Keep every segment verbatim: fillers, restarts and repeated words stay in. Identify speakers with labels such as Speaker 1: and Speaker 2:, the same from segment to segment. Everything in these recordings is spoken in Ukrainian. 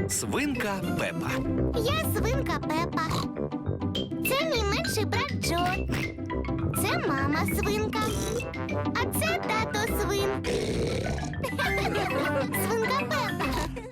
Speaker 1: Свинка Пепа.
Speaker 2: Я свинка Пепа. Це мій менший брат Джо. Це мама свинка. А це тато свин. Свинка Пепа.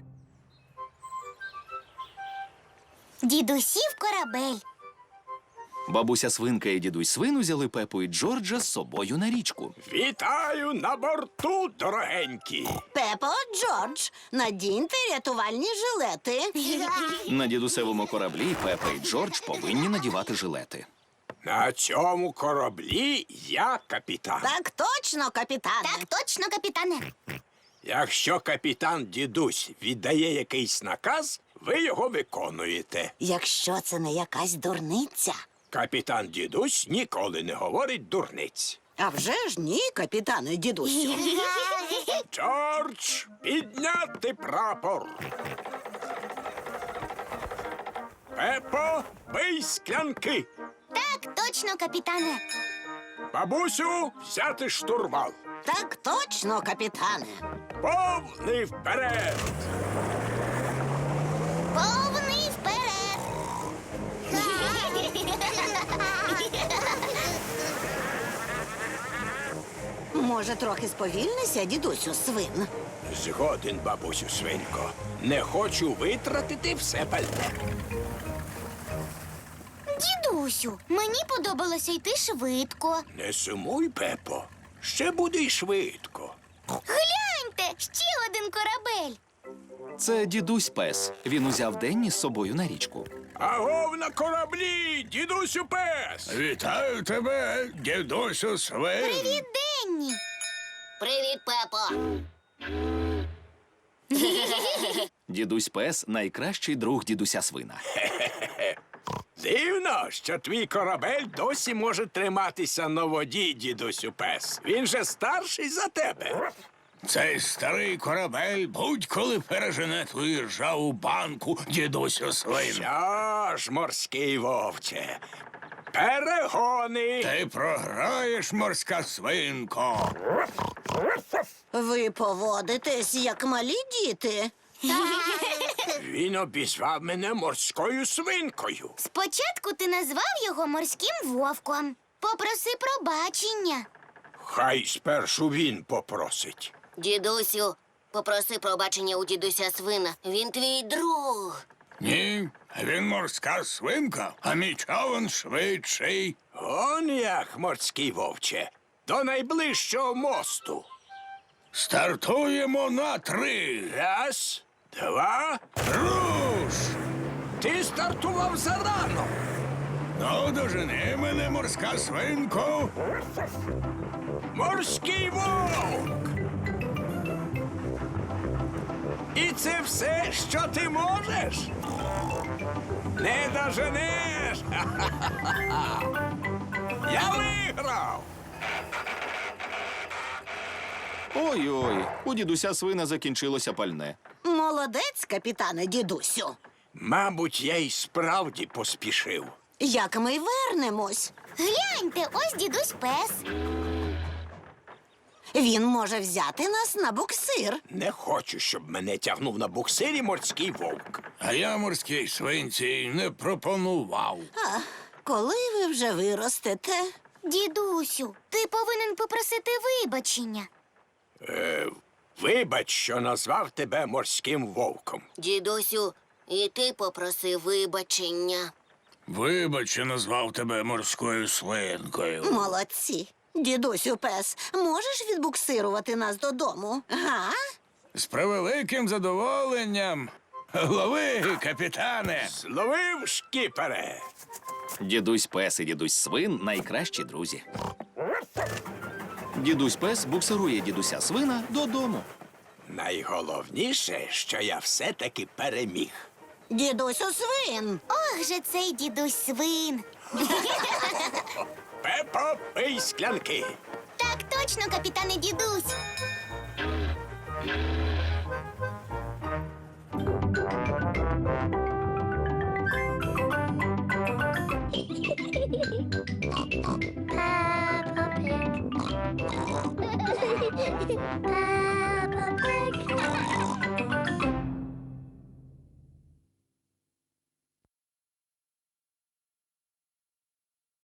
Speaker 2: Дідусів корабель.
Speaker 1: Бабуся свинка і дідусь свин узяли Пепу і Джорджа з собою на річку.
Speaker 3: Вітаю на борту, дорогенькі.
Speaker 4: Пепо, Джордж, надіньте рятувальні жилети.
Speaker 1: На дідусевому кораблі Пепа і Джордж повинні надівати жилети.
Speaker 3: На цьому кораблі я капітан.
Speaker 4: Так точно, капітане.
Speaker 2: Так точно, капітане.
Speaker 3: Якщо капітан дідусь віддає якийсь наказ, ви його виконуєте.
Speaker 4: Якщо це не якась дурниця.
Speaker 3: Капітан дідусь ніколи не говорить дурниць.
Speaker 4: А вже ж ні, капітане дідусю.
Speaker 3: Джордж, підняти прапор. Пепо, бий склянки.
Speaker 2: Так точно, капітане.
Speaker 3: Бабусю, взяти штурвал.
Speaker 4: Так точно, капітане.
Speaker 3: Повний вперед.
Speaker 2: Повний вперед.
Speaker 4: Може, трохи сповільнися, дідусю свин?
Speaker 3: Згоден, бабусю свинко. Не хочу витратити все пальне.
Speaker 2: Дідусю, мені подобалося йти швидко.
Speaker 3: Не сумуй, Пепо. Ще буде й швидко.
Speaker 2: Гляньте, ще один корабель.
Speaker 1: Це дідусь пес. Він узяв Денні з собою на річку.
Speaker 3: Агов на кораблі, дідусю пес!
Speaker 5: Вітаю тебе, дідусю свин.
Speaker 2: Привіт, Денні.
Speaker 6: Привіт, Пепо.
Speaker 1: Дідусь пес найкращий друг дідуся свина.
Speaker 3: Дивно, що твій корабель досі може триматися на воді, дідусю пес. Він же старший за тебе.
Speaker 5: Цей старий корабель будь-коли пережене твою ржаву банку, дідусю свин.
Speaker 3: Що ж, морський вовче, перегони.
Speaker 5: Ти програєш, морська свинко.
Speaker 4: Ви поводитесь, як малі діти.
Speaker 3: Він обізвав мене морською свинкою.
Speaker 2: Спочатку ти назвав його морським вовком. Попроси пробачення.
Speaker 3: Хай спершу він попросить.
Speaker 6: Дідусю, попроси пробачення у дідуся свина. Він твій друг.
Speaker 5: Ні, він морська свинка, а мій човен швидший.
Speaker 3: Он як, морський вовче, до найближчого мосту.
Speaker 5: Стартуємо на три.
Speaker 3: Раз, два.
Speaker 5: Руш!
Speaker 3: Ти стартував зарано.
Speaker 5: Ну, дожени мене, морська свинко.
Speaker 3: Морський вовк. І це все, що ти можеш? Не доженеш. Ха-ха-ха-ха. Я виграв.
Speaker 1: Ой-ой, у дідуся свина закінчилося пальне.
Speaker 4: Молодець, капітане дідусю.
Speaker 3: Мабуть, я й справді поспішив.
Speaker 4: Як ми й вернемось?
Speaker 2: Гляньте, ось дідусь пес.
Speaker 4: Він може взяти нас на буксир.
Speaker 3: Не хочу, щоб мене тягнув на буксирі морський вовк.
Speaker 5: А я морській свинці не пропонував.
Speaker 4: А коли ви вже виростете?
Speaker 2: Дідусю, ти повинен попросити вибачення.
Speaker 3: Е, вибач, що назвав тебе морським вовком.
Speaker 6: Дідусю, і ти попроси вибачення.
Speaker 5: Вибач, що назвав тебе морською свинкою.
Speaker 4: Молодці. Дідусю пес, можеш відбуксирувати нас додому? Га?
Speaker 5: З превеликим задоволенням. Лови, капітане.
Speaker 3: Зловив, шкіпере.
Speaker 1: Дідусь пес і дідусь свин найкращі друзі. Дідусь пес буксирує дідуся свина додому.
Speaker 3: Найголовніше, що я все-таки переміг.
Speaker 4: Дідусю свин.
Speaker 2: Ох же цей дідусь свин.
Speaker 3: Пепо, пий склянки.
Speaker 2: Так точно, капітане дідусь. Peppa Pig.